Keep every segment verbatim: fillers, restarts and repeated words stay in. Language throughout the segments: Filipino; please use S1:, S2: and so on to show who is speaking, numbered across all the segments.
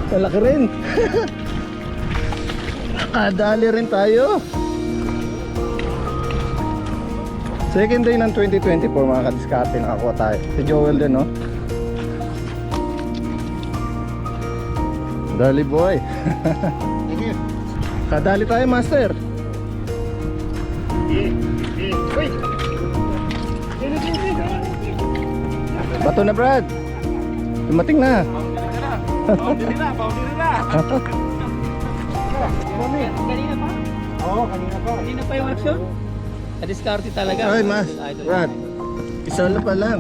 S1: Malaki rin. Nakadali rin tayo. Second day ng twenty twenty-four mga kadiskarte, nakakuha tayo. Si Joel din, no? Dali boy. Kadali tayo, master. Bato na, Brad. Dumating na.
S2: Boundary na, boundary na.
S3: Kanina pa?
S2: Oo, kanina pa.
S3: Kanina pa yung action? Kadiskarte talaga.
S1: Ay, mas.
S3: Idol.
S1: Brad. Isa na pa lang.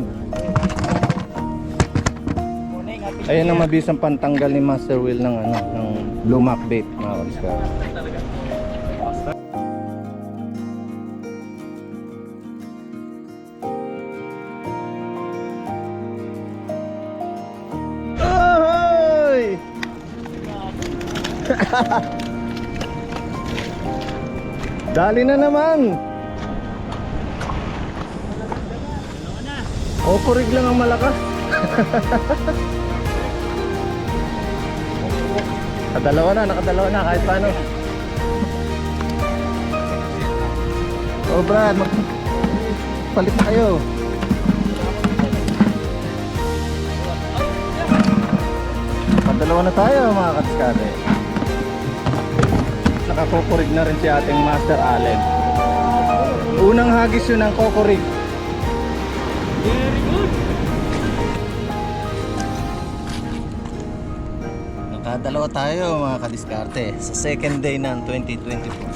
S3: Muna yung ating
S1: Ayan ang mabisang pantanggal ni Master Will ng ano, ng lumak bait, mga kadiskarte.
S3: talaga.
S1: Ahoy! Dali na naman. O, kurig lang ang malakas. Nakadalawa na, nakadalawa na kahit paano. O Brad, mag palit na kayo. Padalawa na tayo mga kadiskarte. Nakakukurig na rin si ating Master Allen. Unang hagis yun ng kukurig.
S3: Very good.
S1: Nakadalawa tayo mga kadiskarte sa second day ng twenty twenty-four.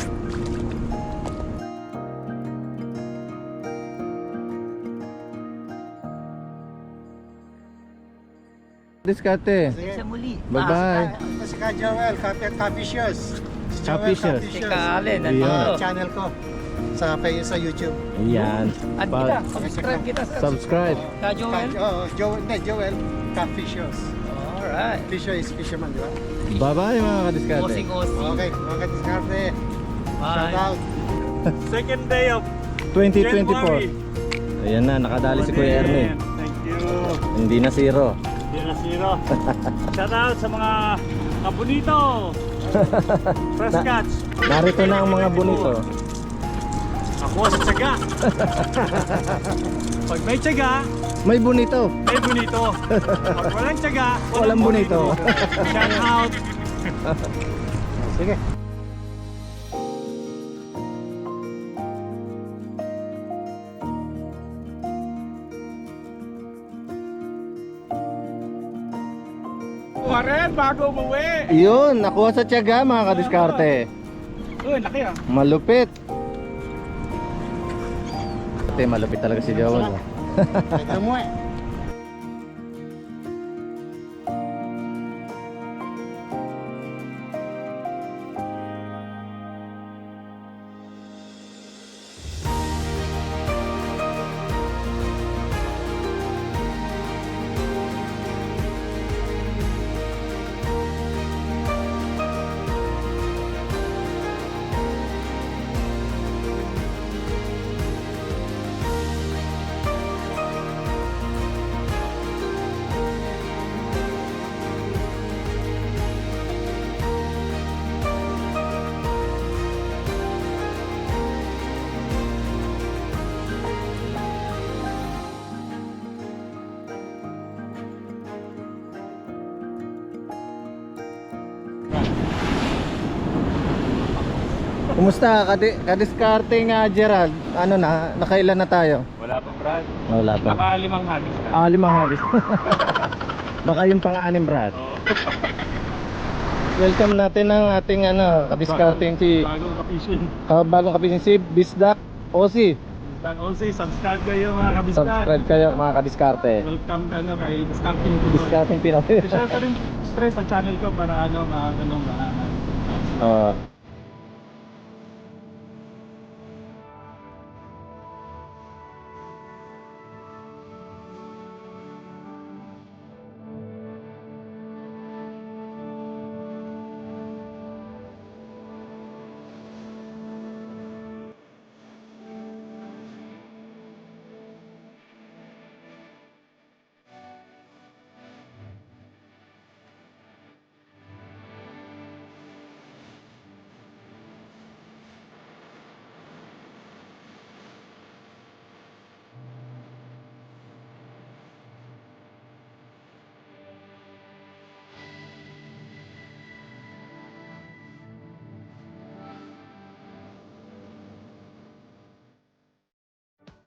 S1: Diskarte.
S3: Sa muli.
S1: Bye bye.
S2: Si Ka Joel, Coffee Coffee Shoes. Si
S1: Coffee
S2: Joel
S1: Shoes.
S3: Si Kalen,
S1: Ayan.
S3: nandito.
S2: Channel ko sa sa YouTube.
S1: Ayan.
S3: Add kita, subscribe kita sa
S1: Subscribe.
S3: Ka Joel.
S2: Oh, Joel, hindi, Joel, Coffee Shoes.
S3: Alright.
S2: Fisher is fisherman, di ba?
S1: Bye bye mga kadiskarte.
S3: Osing Osing.
S2: Okay, mga kadiskarte. Shout
S3: Bye.
S2: out.
S4: Second day of
S1: twenty twenty-four.
S4: January.
S1: Ayan na, nakadali si Kuya Ernie.
S4: Thank you.
S1: Hindi na zero.
S4: Hindi na zero. Shout out sa mga kabunito. Fresh catch.
S1: Narito na ang mga bonito.
S4: Ako sa tsaga. Pag may tsaga,
S1: May bonito.
S4: may bonito. Pag walang tsaga,
S1: Walang bonito.
S4: Shout out.
S2: Sige.
S4: Warren, bago umuwi.
S1: Yun, nakuha sa tiyaga mga kadiskarte.
S4: Uy, laki ah.
S1: Malupit. Ate, malupit talaga si Joel. oh.
S2: Ito mo eh.
S1: Kumusta? Kadi kadiskarte nga Gerald. Ano na? Nakailan na tayo?
S4: Wala pa, Brad.
S1: Wala pa.
S4: Nakalimang hagis ka.
S1: Ah, limang hagis. Baka yung pang-anim, Brad. Welcome natin ang ating ano, kadiskarteng si
S4: Bagong kapisyon.
S1: uh, bagong kapisin si Bisdak Osi.
S4: Dan also, subscribe kayo mga kabiskan.
S1: Subscribe kayo mga kadiskarte.
S4: Welcome ka na kay Discounting Pinoy.
S1: Diskarteng Pinoy.
S4: Share ka rin stress sa channel ko para ano, mga ganun, mga
S1: Oh.